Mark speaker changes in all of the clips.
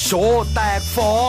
Speaker 1: โชว์แตกฟอง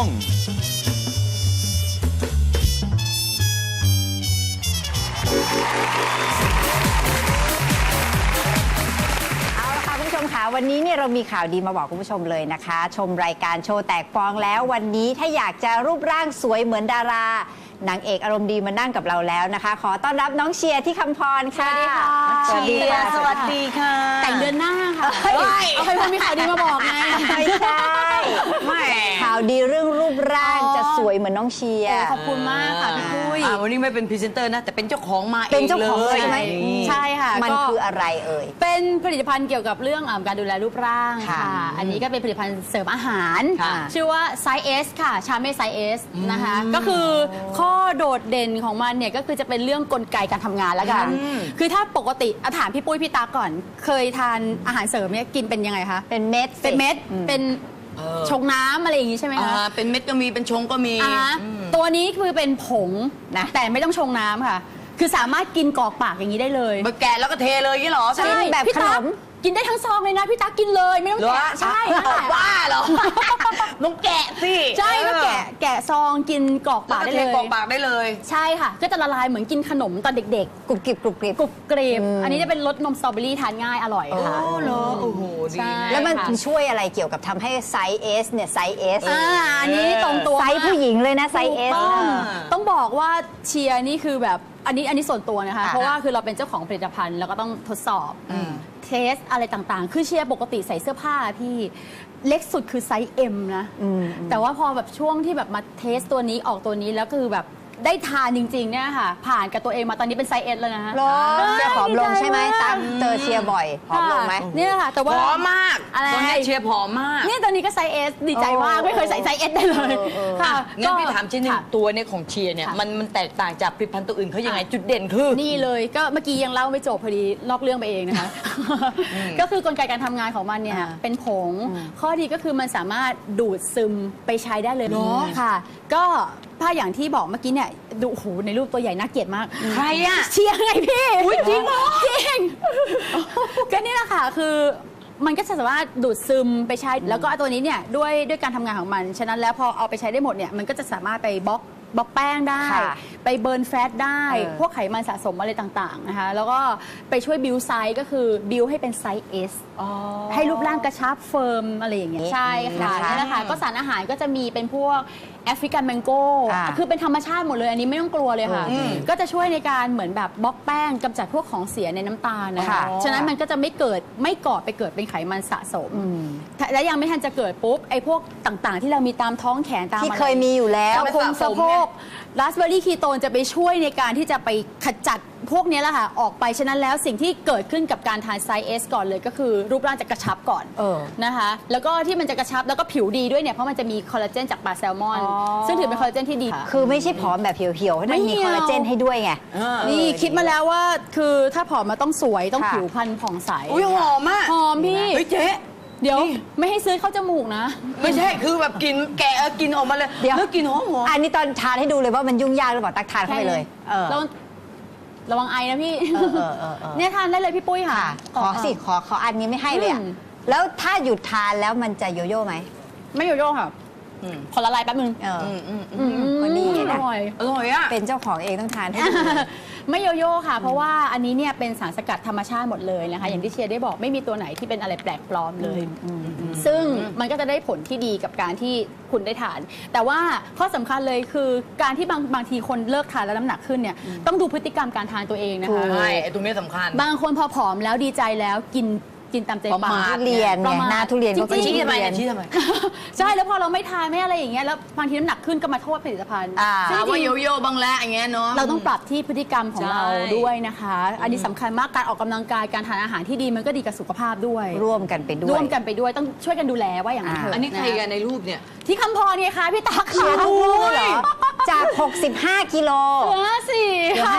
Speaker 2: คุณผู้ชมคะวันนี้เนี่ยเรามีข่าวดีมาบอกคุณผู้ชมเลยนะคะ ชมรายการโชว์แตกฟองแล้ววันนี้ถ้าอยากจะรูปร่างสวยเหมือนดารานางเอกอารมณ์ดีมานั่งกับเราแล้วนะคะ ขอต้อนรับน้องเชียร์ที่คำพรค่ะ
Speaker 3: สวัสดีค่ะ
Speaker 2: สวัสดีค่ะ
Speaker 3: แต่งเดือนหน้าค่ะเอาใครมีข่าวดีมาบอกไง
Speaker 2: ไม่ใช่ข่าวดีเรื่องรูปร่างจะสวยเหมือนน้องเชียร์
Speaker 3: ขอบคุณมากค่ะพี่ปุ้ย
Speaker 4: วันนี้ไม่เป็นพรีเซนเตอร์นะแต่เป็นเจ้าของมาเอง
Speaker 2: เป็นเจ้าของเลยใช่ไหม
Speaker 3: ใช่ค่ะ
Speaker 2: มันคืออะไรเอ่ย
Speaker 3: เป็นผลิตภัณฑ์เกี่ยวกับเรื่องการดูแลรูปร่าง
Speaker 2: ค่ะ
Speaker 3: ค่ะ อันนี้ก็เป็นผลิตภัณฑ์เสริมอาหาร
Speaker 2: ค่ะ
Speaker 3: ชื่อว่าไซส์ S ค่ะชาเม่ไซส์ S นะคะก็คือข้อโดดเด่นของมันเนี่ยก็คือจะเป็นเรื่องกลไกการทำงานแล้วกันคือถ้าปกติถามพี่ปุ้ยพี่ตาก่อน เคยทานอาหารเสริมเนี่ยกินเป็นยังไงคะ
Speaker 2: เป็นเม็ด
Speaker 3: เป็นเม็ดเป็นชงน้ำอะไรอย่างนี้ใช่ไหมคะ
Speaker 4: เป็นเม็ดก็มีเป็นชงก็มี
Speaker 3: ตัวนี้คือเป็นผงนะแต่ไม่ต้องชงน้ำค่ะ คือสามารถกินกรอกปากอย่างนี้ได้เลย
Speaker 4: มาแกะแล้วก็เทเลยอย่างนี้เหรอ
Speaker 3: ใช่
Speaker 2: แบบ
Speaker 3: พี่
Speaker 2: ขน
Speaker 3: ตั๊ก
Speaker 2: ม
Speaker 3: กินได้ทั้งซองเลยนะพี่ตั๊กกินเลยไม่ต้องแกะใช่นั่นแหละ
Speaker 4: บ้าเหรอต้องแกะสิ
Speaker 3: ใช่ก็แกะซองกินกรอก
Speaker 4: แล้
Speaker 3: ปาว ก
Speaker 4: ก็
Speaker 3: ได้
Speaker 4: เท
Speaker 3: เลย
Speaker 4: กรอกปากได้เลย
Speaker 3: ใช่ค่ะ ก็จะละลายเหมือนกินขนมตอนเด็ก
Speaker 2: กรุบกริบกรุบกริบ
Speaker 3: ๆกรุบกรีบอันนี้จะเป็นรสนมสตรอเบอรี่ทานง่ายอร่อย
Speaker 4: โอ้
Speaker 3: ค่ะ
Speaker 4: เหรอโอ้โหดี
Speaker 3: ใช่
Speaker 2: แล้วมัน
Speaker 3: ค่ะ
Speaker 2: ช่วยอะไรเกี่ยวกับทำให้ไซส์ S เนี่ยไซส์ S
Speaker 3: อันนี้ตรงตัว
Speaker 2: ไซส์ผู้หญิงเลยนะไซส์
Speaker 3: ถูก
Speaker 2: S
Speaker 3: ต้องบอกว่าเชียร์นี่คือแบบอันนี้ส่วนตัวนะคะ
Speaker 2: ค่ะ
Speaker 3: เพราะว่าคือเราเป็นเจ้าของผลิตภัณฑ์แล้วก็ต้องทดสอบเทสอะไรต่างๆ คือเชียร์ปกติใส่เสื้อผ้าพี่เล็กสุดคือไซส์ M นะแต่ว่าพอแบบช่วงที่แบบมาเทสตัวนี้ออกตัวนี้แล้วคือแบบได้ทานจริงๆเนี่ยค่ะผ่านกับตัวเองมาตอนนี้เป็นไซส์ S แล้วนะฮะ
Speaker 2: หรอเชียร์ผอมลงใช่ไหม
Speaker 3: ดีใจ
Speaker 2: ตั๊
Speaker 3: มาก
Speaker 2: เจอเชียร์บ่อยผอมลงไหม
Speaker 3: เนี่ยค่ะแต่ว่า
Speaker 4: ผอมมาก
Speaker 3: อะไร
Speaker 4: ตอนนี้เชียร์ผอมมาก
Speaker 3: เนี่ยตอนนี้ก็ไซส์ S ดีใจมากไม่เคยใส่ไซส์ S ได้เลยค่ะ
Speaker 4: งั้นพี่ถามชิ้นหนึง
Speaker 3: ค่ะ
Speaker 4: ตัวเนี่ยของเชียร์เนี่ย
Speaker 3: ค่ะ
Speaker 4: มันแตกต่างจากผลิตภัณฑ์ตัวอื่นเขายังไงจุดเด่นคือ
Speaker 3: นี่เลยก็เมื่อกี้ยังเล่าไม่จบพอดีนอกเรื่องไปเองนะคะ ก็คือกลไกการทำงานของมันเนี่ยเป็นผงข้อดีก็คือมันสามารถดูดซึมไปใช้ได้เลยค่ะ ก็ถ้าอย่างที่บอกเมื่อกี้เนี่ยดูโอ้โหในรูปตัวใหญ่น่าเกลียดมาก
Speaker 4: ใครอะ
Speaker 3: เชียร์ไงพี่จริงเหรอจริงก็นี่แหละค่ะคือมันก็จะสามารถดูดซึมไปใช้แล้วก็ตัวนี้เนี่ยด้วยการทำงานของมันฉะนั้นแล้วพอเอาไปใช้ได้หมดเนี่ยมันก็จะสามารถไปบล็อกแป้งได้
Speaker 2: ค่ะ
Speaker 3: ไปเบิร์นแฟตได้ พวกไขมันสะสมอะไรต่างๆนะคะแล้วก็ไปช่วยบิวไซส์ก็คือบิวให้เป็นไซส์ S ให้รูปร่างกระชับเฟิร์มอะไรอย่างเงี้ยใช่ค่ะ
Speaker 2: นะคะ
Speaker 3: นี่แหละค่ะก็สารอาหารก็จะมีเป็นพวกแอฟริกันแมงโก้
Speaker 2: อ่า
Speaker 3: คือเป็นธรรมชาติหมดเลยอันนี้ไม่ต้องกลัวเลยค่ะ ก็จะช่วยในการเหมือนแบบบล็อกแป้งกำจัดพวกของเสียในน้ำตาลนะคะ
Speaker 2: ค่ะ
Speaker 3: ฉะนั้นมันก็จะไม่ก่อไปเกิดเป็นไขมันสะสมและยังไม่ทันจะเกิดปุ๊บไอ้พวกต่างๆ ที่เรามีตามท้องแขนตาม
Speaker 2: ที่
Speaker 3: อะไร
Speaker 2: เคยมีอยู่แล้ว
Speaker 3: สะโพกราสเบอร์รี่คีโตนจะไปช่วยในการที่จะไปขจัดพวกนี้แหละค่ะออกไปฉะนั้นแล้วสิ่งที่เกิดขึ้นกับการทานไซส์ S ก่อนเลยก็คือรูปร่างจะกระชับก่อน นะคะแล้วก็ที่มันจะกระชับแล้วก็ผิวดีด้วยเนี่ยเพราะมันจะมีคอลลาเจนจากปลาแซลมอน ซึ่งถือเป็นคอลลาเจนที่ดี
Speaker 2: คือไม่ใช่ผอมแบบเหี่ยวๆให้มันมีคอลลาเจนให้ด้วยไง
Speaker 3: นี่คิดมาแล้วว่าคือถ้าผอมมาต้องสวยต้อง
Speaker 2: ค่ะ
Speaker 3: ผิวพรรณผ่องใส
Speaker 4: อุ้ยหอมมาก
Speaker 3: หอมพี่
Speaker 4: เฮ้ยเจ๊
Speaker 3: เดี๋ยวไม่ให้ซื้อเข้าจมูกนะ
Speaker 4: ไม่ใช่คือแบบกินแกะกินออกมาเลย
Speaker 2: เดี๋ยว
Speaker 4: แล้วกินหอม
Speaker 2: อันนี้ตอนทานให้ดูเลยว่ามันยุ่งยากหรือเปล่าตักทานเข้าไปเลย
Speaker 3: ระวังไอนะพี่
Speaker 2: เออ
Speaker 3: เนี่ยทานได้เลยพี่ปุ้ยค่ะ
Speaker 2: ขอสิขออันนี้ไม่ให้เลยอะแล้วถ้าหยุดทานแล้วมันจะโยโย่ไหม
Speaker 3: ไม่โยโย่ค่ะขอละลายแป๊บนึง
Speaker 2: ก็นี่ไง
Speaker 3: อ
Speaker 2: นะ
Speaker 3: ร่อย
Speaker 4: อร่อยอ่ะ
Speaker 2: เป็นเจ้าของเองต้องทานให้ดู
Speaker 3: ไม่โยโย่ค่ะ เพราะว่าอันนี้เนี่ยเป็นสารสกัดธรรมชาติหมดเลยนะคะอย่างที่เชียร์ได้บอกไม่มีตัวไหนที่เป็นอะไรแปลกปลอมเลย ซึ่งมันก็จะได้ผลที่ดีกับการที่คุณได้ทาน แต่ว่าข้อสำคัญเลยคือการที่บางทีคนเลิกทานแล้วน้ำหนักขึ้นเนี่ยต้องดูพฤติกรรมการทานตัวเองนะคะ
Speaker 4: ใช่ไอ้ตรงนี้สำคัญ
Speaker 3: บางคนพอผอมแล้วดีใจแล้วกินตามใจ
Speaker 4: ประ
Speaker 3: ปา
Speaker 4: มาท
Speaker 3: ก
Speaker 2: ทุเรียน
Speaker 3: ประ
Speaker 2: ไง
Speaker 3: มาท
Speaker 2: หน้าทุเรียนก็
Speaker 3: จริงๆ
Speaker 2: ชี้
Speaker 4: ชี้ทำไม
Speaker 2: ทุเรียน
Speaker 4: ชี้ทำไม
Speaker 3: ใช่แล้วพอเราไม่ทานไม่อะไรอย่างเงี้ยแล้วบางทีน้ำหนักขึ้นก็มาโทษผลิตภัณฑ์ ซึ่ง
Speaker 4: ถาม
Speaker 3: จ
Speaker 4: ว่า
Speaker 3: ริงๆ
Speaker 4: โยโย่บางแล้วอย่างเงี้ยเนาะ
Speaker 3: เราต้องปรับที่พฤติกรรมของ
Speaker 4: ใช่
Speaker 3: เราด้วยนะคะ อันนี้สำคัญมากการออกกำลังกายการทานอาหารที่ดีมันก็ดีกับสุขภาพด้วย
Speaker 2: ร่วมกันไปด้วย
Speaker 3: ร่วมกันไปด้วยต้องช่วยกันดูแลว่าอย่างนั้นเถอะ
Speaker 4: อันนี้ใครกันในรูปเนี่ย
Speaker 3: ที่คำพรเนี่ยคะพี่ตา
Speaker 2: เชีย
Speaker 3: ค่ะ
Speaker 2: ร์ทั้งคู่เลยเหรอ จาก 65 กิโล
Speaker 3: เหลือสี่
Speaker 2: เหลือ
Speaker 3: ค่ะ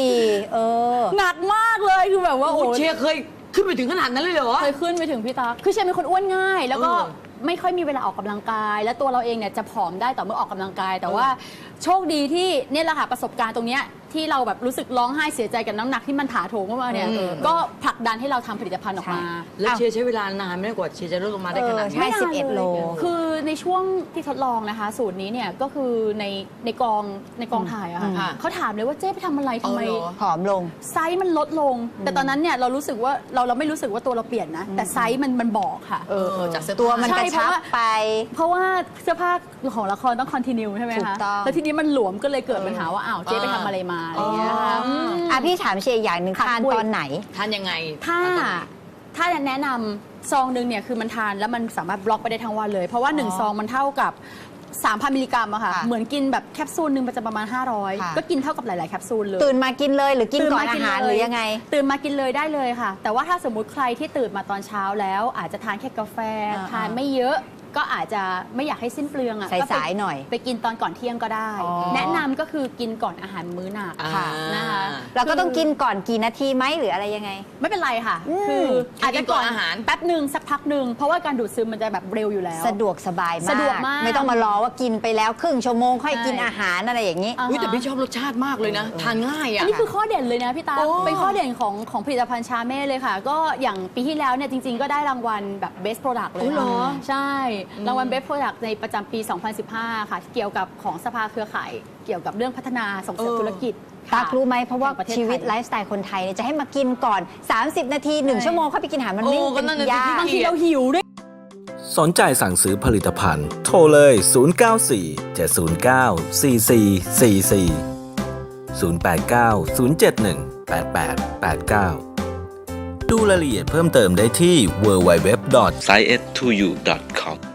Speaker 2: 54
Speaker 3: หนักมากเลยคือแบบว่า
Speaker 4: โอ้
Speaker 3: โอ้
Speaker 4: เชียร์เคยขึ้นไปถึงขนาดนั้นเลยเหรอ
Speaker 3: เคยขึ้นไปถึงพี่ตาคือเชียร์เป็นคนอ้วนง่าย แล้วก็ไม่ค่อยมีเวลาออกกำลังกาย และตัวเราเองเนี่ยจะผอมได้ต่อเมื่อออกกำลังกาย แต่ว่าโชคดีที่เนี่ยแหละค่ะประสบการณ์ตรงเนี้ยที่เราแบบรู้สึกร้องไห้เสียใจกับน้ำหนักที่มันถาโถมเข้ามาเนี่ยก็ผลักดันให้เราทำผลิตภัณฑ์ออกมา
Speaker 4: แล้วเชียร์ใช้เวลานานไม่ได้กว่าเชียร์จะลดลงมาได้ขนาดนี้
Speaker 2: ใช่ 11 โล
Speaker 3: คือในช่วงที่ทดลองนะคะ สูตรนี้เนี่ยก็คือในกองถ่ายอะค่ะ
Speaker 4: ค่ะ
Speaker 3: เขาถามเลยว่าเจ๊ไปทำอะไรทำไม
Speaker 4: เอาเหรอ
Speaker 2: ผอมลง
Speaker 3: ไซส์มันลดลง แต่ตอนนั้นเนี่ยเรารู้สึกว่าเราไม่รู้สึกว่าตัวเราเปลี่ยนนะ แต่ไซส์มันบอกค่ะ
Speaker 4: จากเสื้อ
Speaker 2: ตัวมัน
Speaker 3: ใช่
Speaker 2: กระชับไป
Speaker 3: เพราะว่าเสื้อผ้าของละครต้องคอนติเนียใช่ไหม
Speaker 2: ถู
Speaker 3: คะ
Speaker 2: กต้อง
Speaker 3: แล้วทีนี้มันหลวมก็เลยเกิดปัญหาว่าอ้าวเจ๊ไปทำอะไรมาอะไรอย่างเงี้ยค่ะ
Speaker 2: อ่ะพี่ถามเชียร์อย่างหนึ่ง
Speaker 3: ค่ะ
Speaker 2: ทาน
Speaker 3: ปุ้ย
Speaker 2: ตอนไหน
Speaker 4: ทานยังไง
Speaker 3: ถ้าแนะนำซองหนึ่งเนี่ยคือมันทานแล้วมันสามารถบล็อกไปได้ทั้งวันเลย เพราะว่า 1 ซองมันเท่ากับ 3,000 มิลลิกรัมอะค่ะ
Speaker 2: ค่ะ
Speaker 3: เหมือนกินแบบแคปซูลหนึ่งมันจะประมาณ
Speaker 2: ค่ะ
Speaker 3: 500 ก็กินเท่ากับหลาย ๆ แคปซูลเลย
Speaker 2: ตื่นมากินเลยหรือกินก่อน
Speaker 3: ตื่
Speaker 2: อาหาร
Speaker 3: เล
Speaker 2: หรือยังไง
Speaker 3: ตื่นมากินเลยได้เลยค่ะ แต่ว่าถ้าสมมุติใครที่ตื่นมาตอนเช้าแล้ว อาจจะทานแค่กาแฟ ทานไม่เยอะก็อาจจะไม่อยากให้สิ้นเปลืองอ่ะ
Speaker 2: สายๆหน่อย
Speaker 3: ไปกินตอนก่อนเที่ยงก็ได้
Speaker 2: อ๋อ
Speaker 3: แนะนำก็คือกินก่อนอาหารมื้อหนัก
Speaker 2: ค่ะ
Speaker 3: นะคะ
Speaker 2: เราก็ต้องกินก่อนกี่นาทีไหมหรืออะไรยังไง
Speaker 3: ไม่เป็นไรค่ะ
Speaker 2: อืม
Speaker 3: คืออาจจะ
Speaker 4: กินก่อนอาหาร
Speaker 3: แป๊บหนึ่งสักพักหนึ่งเพราะว่าการดูดซึมมันจะแบบเร็วอยู่แล้ว
Speaker 2: สะดวกสบายมาก
Speaker 3: สะดวกมาก
Speaker 2: ไม่ต้องมารอว่ากินไปแล้วครึ่งชั่วโมงค่อย
Speaker 3: ใช่
Speaker 2: กินอาหารอะไรอย่างนี้
Speaker 3: อ่า
Speaker 4: อุ้ยแต่พี่ชอบรสชาติมากเลยนะ ทานง่าย
Speaker 3: อั
Speaker 4: อ่ะ
Speaker 3: นนี้คือข้อเด่นเลยนะพี่ตา
Speaker 4: โอ้
Speaker 3: เป็นข้อเด่นของผลิตภัณฑ์ชาเม่เลยค่ะ ก็อย่างปีที่แล้วเนี่ยจริง ๆ ก็ได้รางวัลแบบ Best Product เลย
Speaker 4: อุ๊ยเหรอ
Speaker 3: ใช่ รางวัล Best Product ในประจำปี 2015 ค่ะ เกี่ยวกับของสภาเครือข่าย เกี่ยวกับเรื่องพัฒนาส่งเสริมธุรกิจ
Speaker 2: ตักรู้ไหมเพราะว่า
Speaker 3: แห่งประเทศ
Speaker 2: ชีวิต
Speaker 3: ไทย
Speaker 2: ไลฟ์สไตล์คนไทยเนี่ยจะให้มากินก่อน 30 นาที 1 ชั่วโมงค่อยไปกินอาหารมันไม่
Speaker 4: โอ้ก็
Speaker 2: เป็น
Speaker 4: นั่นน่ะสิ
Speaker 2: ยาก
Speaker 3: บางทีเราหิวด้วย
Speaker 1: สนใจสั่งซื้อผลิตภัณฑ์ โทรเลย 094 709 4444 089 071 8889 ดูรายละเอียดเพิ่มเติมได้ที่ www.science2u.com